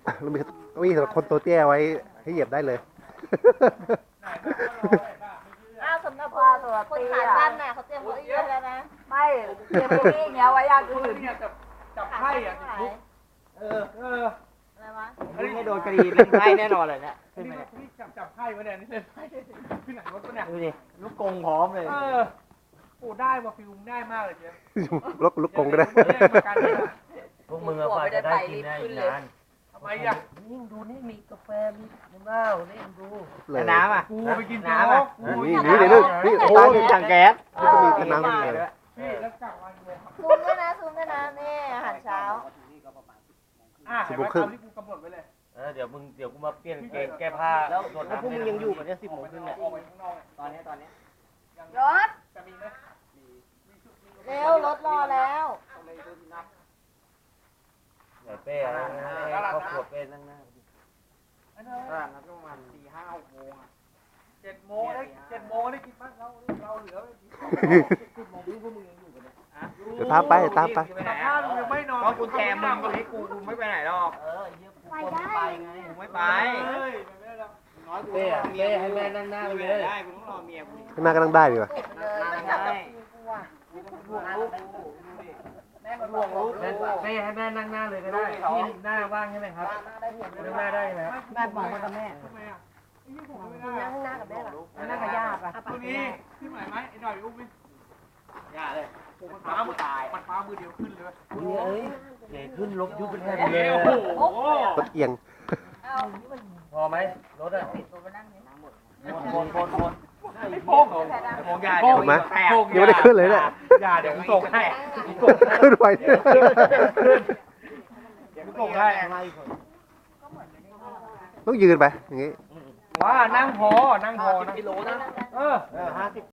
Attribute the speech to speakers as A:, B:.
A: แล้วมีสำหรับคนตัวเตี้ยไว้ให้เหยียบได้เลย
B: อ้าวสำหรับคนขาสั้นน่ะเขาเตรียมเก้าอี้ไว้แล้วนะ
C: ไม่เตรียมเก้าอี้อย่างเงี้ยไว้อย่างอื่น
D: จับไพ่อ่ะ
B: ขาสั้น อะไรวะ
E: นี่ให้โดนคดีเล่นไพ่แน่นอนเลยเนี่ยขึ้น
D: นี่
E: มาเนี่ย
D: นี่จับไพ่ไว้เนี่ยนี่เล่นไพ่ที่ไหนวะตัวเนี่ย
E: ดูดิลูกกงพร้อมเลย
D: โอ้ได้ว่ะฟิลได้มากเลยเจ๊
A: ลูกกงก็ได้
E: พวกมึงอะฝ่ายจะได้กินได้อีกนาน
D: ทำไมอ่ะ
E: นี่ดูนี่มีกาแฟมีน้ำเหล้านี่ดู
A: เลย
E: น้ำอ่ะ
D: กูไปกิน
E: น้ำอ่ะ
A: นี่นี่โอ้
E: โอ้
A: ย
E: มีถังแก๊ส
A: นี่ก็มีน้ำเลย
D: พี่แล้วกลับวันเลย
B: ซูมด้วยนะซูมด้วยนะนี่อาหารเช้า
D: เห็นไหมตามที่กูกำหนดไว้เลย
E: เดี๋ยวกูมาเปลี่ยนเกงแก้ผ้าแล้วพวกมึงยังอยู่กันเนี่ย10 โมงครึ่งเนี่ย
D: ออกไปข้างนอก
E: ตอนนี้
B: รถ
D: จะมีไหม
B: เร็วรถรอแล้ว
E: ไหนเป้อะไรครอบครัวเป้นั่งหน้า
D: อันนั้น
E: ร้านนั้นประมาณ4-5-6 โมงอ่ะ
D: 7 โมงได้กินบ้างเราเหลือ
E: 10 โมงพวกมึงยังอยู่กันเนี่ย
A: เดี๋ยวตามไปตามไป
D: แต่ถ้ามึงยังไม่นอน
E: ก็กุญแจมึงก็ให้กูไม่ไปไหนหรอกไปไงกูไม่ไป
D: เฮ้ยไม่ได้แล้ว
E: น้อยกูเป้ให้แม่นั่งหน้าไปเลยได้กูต้องรอเมียกู
A: ข้างหน้าก็นั่งได้ดีว่ะ
B: เลยไม่จับกับกูอ่ะ
E: ห่วงลูกห่วงลูกแม่ให้แม่นั่งหน้าเลยก็ได้ที่หน้าว่างใช่ไหมครับนั่งหน้าได้ไหม
C: แม่บอกมากับแม่
D: ทำไมอ่ะไอ้ยี่ผมไม่ได้
C: นั่งหน้ากับแม่หรอนั่งกับย่าป่ะ
D: ตัวนี้ขึ้นไหวไหมไอ้หน่อยอุ้มไหม
E: อย่าเลย
D: โอ้มันฟ้ามือมันฟ้ามือเดียวขึ้นเลย
E: เอ้ยเดี๋ยวขึ้นลบยุบเป็นแผ่น
D: โอ้
E: เลย
D: โห
A: รถเอียง
B: เอา
E: พอไหมรถอ่ะ
B: ตัวมานั่งนี่
E: คน
D: ไอ้โป้ง
E: โงยา
A: เห็นไหมยังไม่ได้ขึ้นเลยเนี่ย
D: อย่าเดี๋ยวกูส่งให้
A: ขึ้นไป
E: เดี๋ยวกูส่งให้
A: ต้องยืนไปอย่างงี้
D: ว่านั่งพอนั่ง
E: กิโลนะ
D: เออ
E: 50